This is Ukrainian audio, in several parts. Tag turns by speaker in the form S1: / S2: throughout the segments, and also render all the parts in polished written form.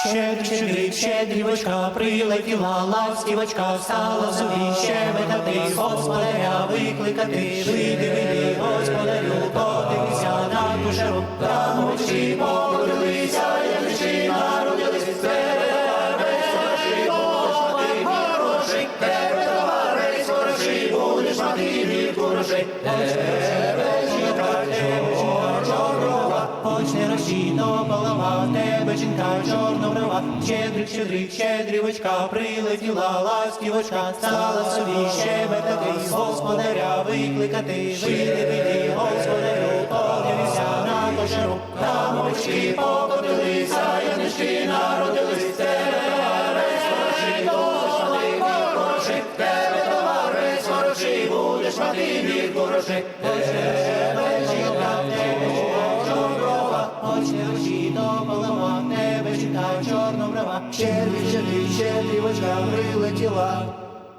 S1: Щедрик, щедрівочка, прилетіла ластівочка, стала собі щебетати, господаря викликати. Вийди, вийди, господарю, подивися на ту жару, там очі погодилися, янички народились, тебе весь хороший, будеш мати грошей, тебе товариш хороший, будеш мати від грошей. Тебе жінка, чорноброва, хоч не розчіно голова, тебе жінка чорноброва. Щедрик, щедрик, щедрівочка, прилетіла ластівочка, стала собі щебетати, господаря викликати. Вийди, вийди, господарю, подивися на кошару, там очки покотилися, янички народились, тебе весь хороший, будеш мати грошей, тебе товар весь хороший, будеш мати від грошей. Тебе жінка, чорноброва, хоч не руші до голова, тебе жінка чорноброва. Щедрик, щедрик, щедрівочка, прилетіла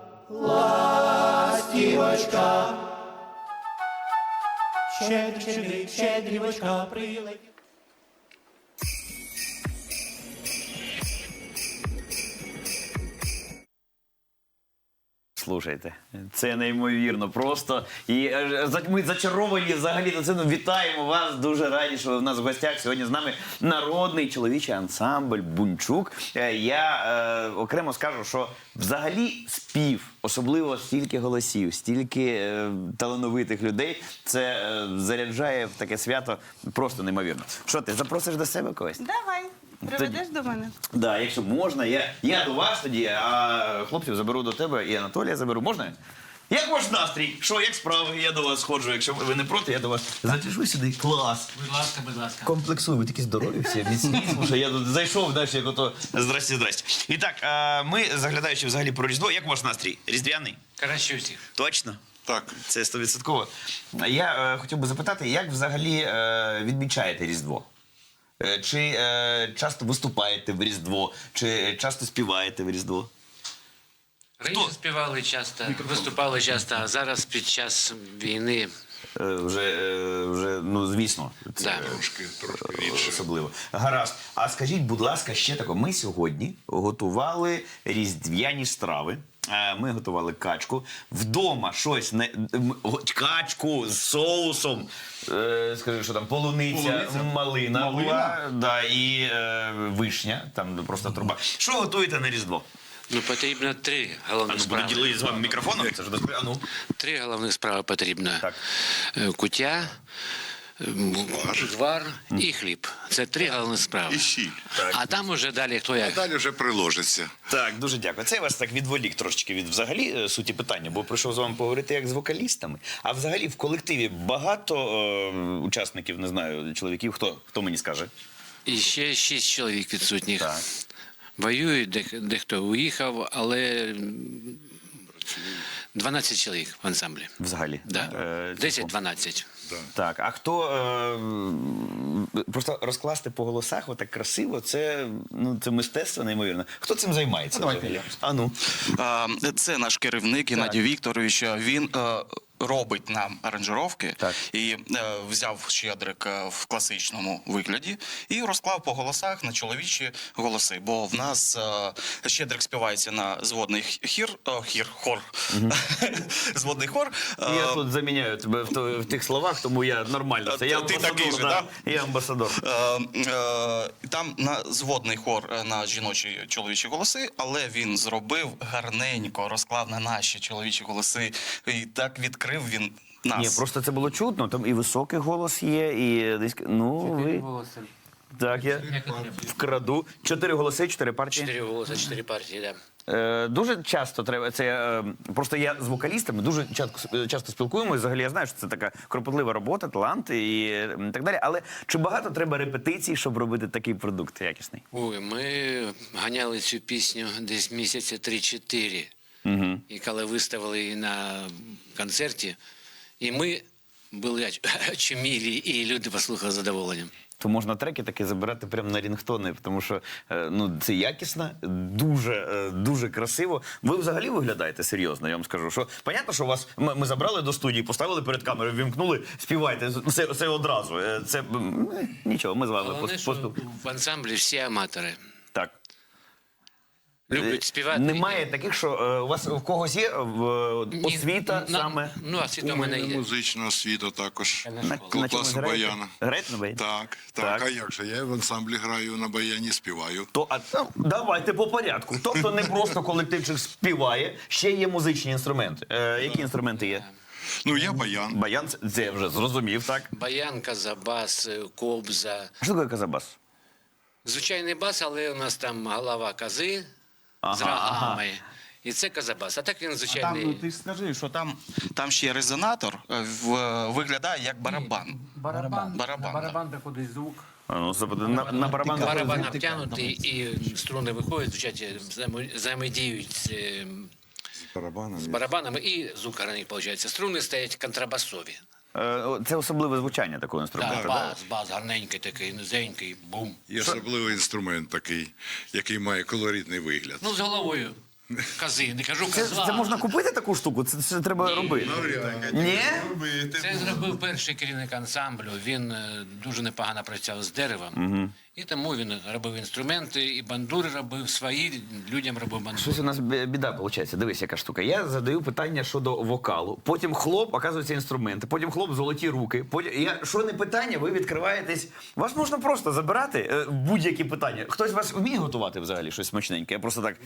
S1: ластівочка. Щедрик, щедрик, щедрівочка, прилетіла.
S2: Слухайте, це неймовірно просто. І ми зачаровані взагалі до цього. Вітаємо вас, дуже раді, що ви в нас в гостях. Сьогодні з нами народний чоловічий ансамбль «Бунчук». Я окремо скажу, що взагалі спів, особливо стільки голосів, стільки талановитих людей, це заряджає в таке свято просто неймовірно. Що ти, запросиш до себе когось?
S3: Давай, приведеш до мене.
S2: Да, якщо можна, я до вас тоді, а хлопців заберу до тебе і Анатолія заберу. Можна? Як ваш настрій? Що, як справи? Я до вас сходжу. Якщо ви не проти, я до вас затяжу сюди. Клас.
S4: Будь ласка, будь ласка.
S2: Комплексую, ви такі здорові всі, міцні. Слушай, я тут зайшов, знаєш, як ото здрасте, здрасте. І так, ми, заглядаючи взагалі про Різдво, як ваш настрій? Різдвяний?
S4: Краще усіх.
S2: Точно?
S5: Так.
S2: Це 100%. Я хотів би запитати, як взагалі відмічаєте Різдво? Чи часто виступаєте в Різдво? Чи часто співаєте в Різдво?
S4: Раніше співали часто, виступали часто, а зараз під час війни
S2: Вже, ну, звісно, це
S4: Да.
S5: Трошки рідше.
S2: особливо. Гаразд. А скажіть, будь ласка, ще тако. Ми сьогодні готували різдвяні страви. Ми готували качку. Вдома щось, качку з соусом, скажи, що там, полуниця, малина була, да, і вишня, там просто труба. Що готуєте на Різдво?
S4: ну, потрібно три головних
S2: Буду
S4: справи.
S2: ділити з вами мікрофоном. Це ж ну.
S4: Три головних справи потрібно.
S2: Так.
S4: Куття, звар і хліб. Це три головні справи.
S5: І сіль.
S4: А там уже далі хто як.
S5: Далі вже приложиться.
S2: Так, дуже дякую. Це я вас так відволік трошечки від взагалі суті питання, бо прийшов з вами поговорити як з вокалістами. А взагалі в колективі багато учасників, не знаю, чоловіків. Хто мені скаже?
S4: І ще 6 чоловік відсутніх.
S2: Так.
S4: Воюють, дехто уїхав, але 12 чоловік в ансамблі.
S2: Взагалі.
S4: Да. 10-12.
S2: Так, а хто просто розкласти по голосах отак красиво, це, ну, це мистецтво неймовірно. Хто цим займається? Взагалі? А ну.
S6: Це наш керівник Геннадій Вікторович. Він робить нам аранжировки
S2: Так.
S6: і взяв щедрик в класичному вигляді і розклав по голосах на чоловічі голоси. Бо в нас щедрик співається на зводний хор. Зводний хор.
S2: Я тут заміняю тебе в тих словах, тому я нормально. Це я
S6: Ти
S2: амбасадор,
S6: такий же,
S2: да?
S6: да?
S2: Я амбасадор.
S6: Там на зводний хор на жіночі чоловічі голоси, але він зробив гарненько, розклав на наші чоловічі голоси і так відкрив він нас.
S2: Ні, просто це було чутно, там і високий голос є, і десь, ну, ви... Так, я вкраду. 4 голоси, 4 партії.
S4: 4 голоси, 4 партії, так. Да.
S2: Дуже часто треба, це просто я з вокалістами дуже часто спілкуємося, взагалі я знаю, що це така кропотлива робота, талант і так далі, але чи багато треба репетицій, щоб робити такий продукт якісний?
S4: Ой, ми ганяли цю пісню десь місяця 3-4. І коли виставили її на концерті, і ми були очумілі, і люди послухали з задоволенням.
S2: То можна треки такі забирати прямо на рінгтони, тому що ну, це якісно, дуже красиво. Ви взагалі виглядаєте серйозно, я вам скажу. Що, понятно, що вас ми забрали до студії, поставили перед камерою, вімкнули, співайте, все одразу. Це нічого, ми з вами
S4: Головне, що в ансамблі всі аматори.
S2: Так.
S4: Люблять співати.
S2: Немає таких, що у вас у когось є освіта саме?
S4: Ну, освіта у
S5: У
S4: мене
S5: мене
S4: є.
S5: музична освіта також.
S4: На
S2: чомусь
S5: Класу
S2: граєте?
S5: баяна.
S2: Граєте на баяні?
S5: Так,
S2: Так.
S5: так. А як же? Я в ансамблі граю на баяні, співаю.
S2: Давайте по порядку. Тобто не просто колективчик співає, ще є музичні інструменти. Які інструменти є?
S5: Ну, я баян.
S2: Баян, це я вже зрозумів, так?
S4: Баян, казабас, кобза.
S2: А що таке казабас?
S4: Звичайний бас, але у нас там голова кози з рогами. І це казабас. А так він звичайний.
S6: Там, ти скажи, що там ще резонатор виглядає як барабан. Барабан.
S7: кудись звук.
S2: Ну, на барабан.
S4: Барабан обтягнутий і струни виходять, звучать, взаємодіють з
S5: Барабанами.
S4: барабанами і звук гарний виходить. Струни стоять контрабасові.
S2: Це особливе звучання такого інструменту.
S4: Так, бас гарненький такий, низенький, бум.
S5: Є особливий інструмент такий, який має колоритний вигляд.
S4: Ну, з головою кози, не кажу козла.
S2: Це можна купити таку штуку? Це треба робити. Ні?
S4: Це зробив перший керівник ансамблю. Він дуже непогано працював з деревом. І тому він робив інструменти, і бандури робив свої, людям робив бандури.
S2: Щось у нас біда виходить. Дивись, яка штука. Я задаю питання щодо вокалу. Потім хлоп, оказується, інструменти. Потім хлоп, золоті руки. Потім що не питання, ви відкриваєтесь. Вас можна просто забирати будь-які питання. Хтось вас вміє готувати взагалі щось смачненьке? Я просто так.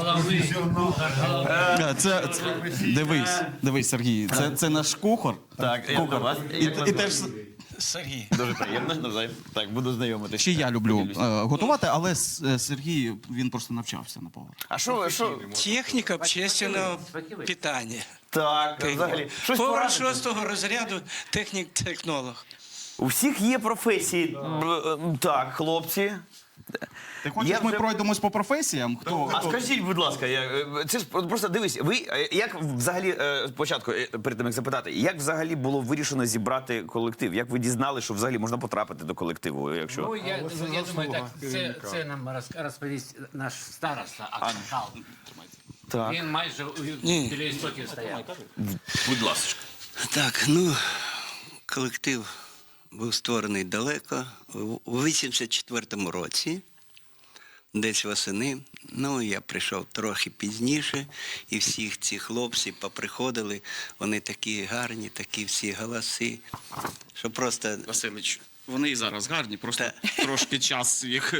S6: Дивись, Сергій, це наш кухар.
S2: Так, я до вас.
S6: І теж Сергій.
S2: Дуже приємно, навзаєм. Так, буду знайомитися.
S6: Ще я люблю готувати, але Сергій, він просто навчався на повар.
S2: А що?
S8: Техніка общественного питання.
S2: Так, взагалі. Щось
S8: Повар
S2: порадити?
S8: 6-го розряду, технік-технолог.
S2: У всіх є професії. Так, хлопці.
S6: Ти хочеш, ми пройдемось по професіям?
S2: А скажіть, будь ласка, це ж просто дивись, ви як взагалі спочатку, перед тим як запитати, як взагалі було вирішено зібрати колектив? Як ви дізнали, що взагалі можна потрапити до колективу? Якщо
S7: Ну, я думаю, так, це нам розповість наш староста Аксакал.
S2: так,
S7: Він майже біля істоків стояв.
S2: будь ласка.
S8: Так, ну, колектив був створений далеко, у 84-му році, десь восени. Ну, я прийшов трохи пізніше, і всіх ці хлопці поприходили, вони такі гарні, такі всі голоси, що просто...
S6: Василич, вони і зараз гарні, просто трошки час їх.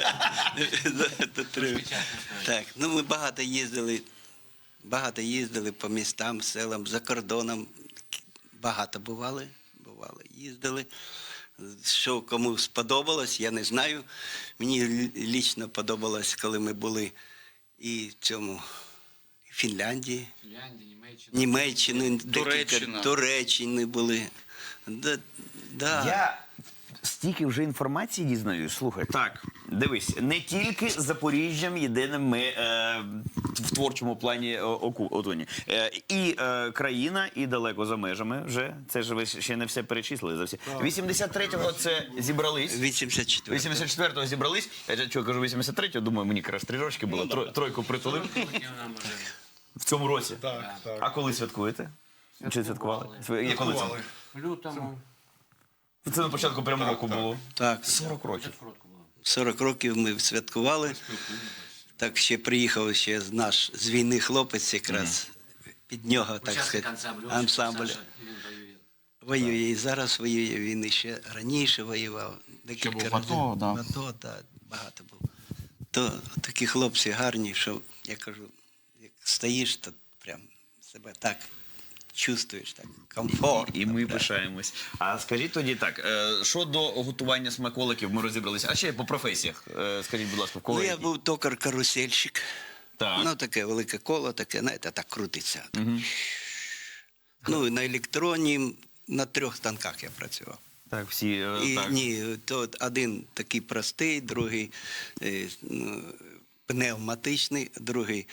S8: Так, ну ми багато їздили по містам, селам, за кордоном. Багато бували, їздили. Що кому сподобалось, я не знаю. Мені лічно подобалось, коли ми були і в цьому Фінляндії, Німеччини, Туреччини були. Да.
S2: Я стільки вже інформації дізнаюсь. Слухай, так, дивись, не тільки з Запоріжжям єдиним ми в творчому плані отоні. І країна, і далеко за межами вже. Це ж ви ще не все перечислили за всі. 83-го це зібрались. 84-го зібрались. Я чого кажу 83-го, думаю, мені якраз 3 рочки було. Тройку притулив. В цьому році.
S5: Так.
S2: А коли святкуєте? Чи святкували? Коли це?
S7: В лютому.
S2: Це на початку прямого року було.
S8: Так,
S2: 40 років.
S8: 40 років ми святкували. Так ще приїхав ще наш з війни хлопець якраз. Під нього, так сказати, ансамбль. Воює і зараз воює, він іще раніше воював. Декілька разів. В АТО, так, багато був. То такі хлопці гарні, що, я кажу, як стоїш, то прям себе так чувствуєш, так, комфорт.
S2: І ми пишаємось. А скажіть тоді так, щодо готування смаколиків ми розібралися. А ще по професіях, скажіть, будь ласка, в кого
S8: Ну, я
S2: які?
S8: був токар-карусельщик.
S2: Так.
S8: Ну, таке велике коло, таке, знаєте, так крутиться. Ну, і на електроні, на 3 станках я працював.
S2: Так, всі,
S8: І,
S2: так.
S8: ні, то один такий простий, другий пневматичний, другий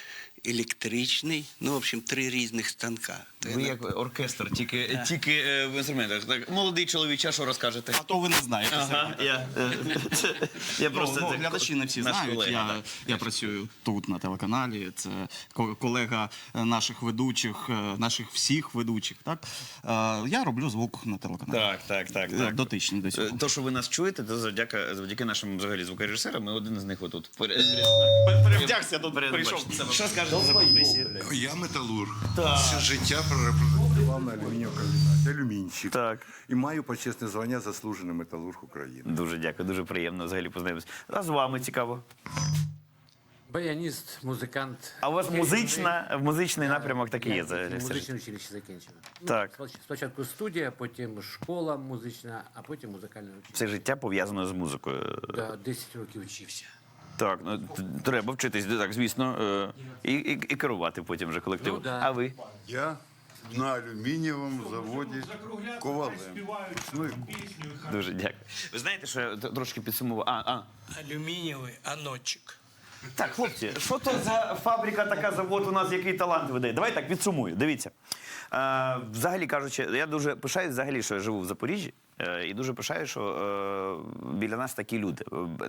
S8: електричний. Ну, в общем, 3 різних станка. То
S2: Ви
S8: я
S2: як оркестр, тільки в інструментах. Так, молодий чоловік, а що розкажете?
S6: А то ви не знаєте.
S2: Ага, я просто...
S6: Ну,
S2: це
S6: глядачі не всі
S2: наш
S6: знають.
S2: колега,
S6: Я працюю тут на телеканалі. Це колега наших ведучих, наших всіх ведучих. Так? Я роблю звук на телеканалі.
S2: Так.
S6: Дотичний до цього.
S2: То, що ви нас чуєте, то завдяки нашим взагалі звукорежисерам, ми один з них отут.
S6: Перевдягся, тут прийшов.
S2: Що скажете за професію?
S5: Я металург. Все життя працював на алюмініокомбінаті, алюмінщик.
S2: Так.
S5: І маю почесне звання заслужений металург України.
S2: Дуже дякую, дуже приємно взагалі познайомитися. А з вами цікаво.
S7: Баяніст, музикант.
S2: А у вас музичний напрямок такий є? взагалі, все ж?
S7: Музичне училище закінчено.
S2: Так.
S7: Спочатку студія, потім школа музична, а потім музикальне училище.
S2: Все життя пов'язано з музикою.
S7: Да, 10 років вчився.
S2: Так, ну треба вчитись, так, звісно, і керувати потім вже колективом.
S7: Ну, да.
S2: А ви?
S5: Я на алюмінієвому заводі ковалем. Ну,
S2: Дуже дякую. Ви знаєте, що я трошки підсумував?
S1: Алюмінієвий анотчик.
S2: Так, хлопці, що то за фабрика така, завод у нас, який талант видає? Давай так підсумую. Дивіться. Взагалі кажучи, я дуже пишаюсь взагалі, що я живу в Запоріжжі. І дуже пишаю, що біля нас такі люди.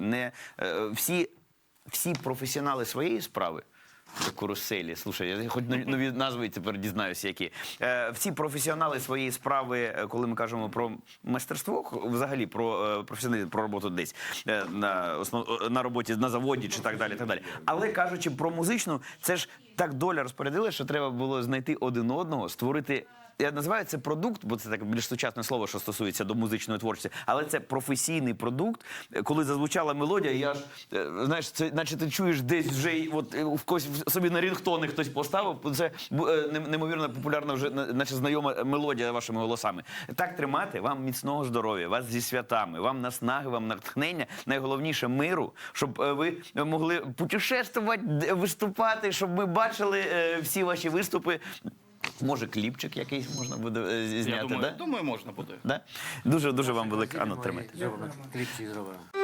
S2: Всі професіонали своєї справи, каруселі, слушай, я хоч нові назви тепер дізнаюся, які. Всі професіонали своєї справи, коли ми кажемо про майстерство, взагалі про професіоналізм, про роботу десь на роботі, на заводі чи так далі, так далі. Але кажучи про музичну, це ж так доля розпорядила, що треба було знайти один одного, створити. Я називаю це продукт, бо це так більш сучасне слово, що стосується до музичної творчості, але це професійний продукт. Коли зазвучала мелодія, я ж, знаєш, це наче ти чуєш десь вже, от в когось собі на рінгтони хтось поставив, це неймовірно популярна вже, наче знайома мелодія вашими голосами. Так тримати, вам міцного здоров'я, вас зі святами, вам наснаги, вам натхнення, найголовніше миру, щоб ви могли путешествувати, виступати, щоб ми бачили всі ваші виступи. Може, кліпчик якийсь можна буде зняти,
S6: Я думаю, можна буде.
S2: Да? Дуже вам велике. Ану, тримайте.
S7: Зробимо кліпці зробимо.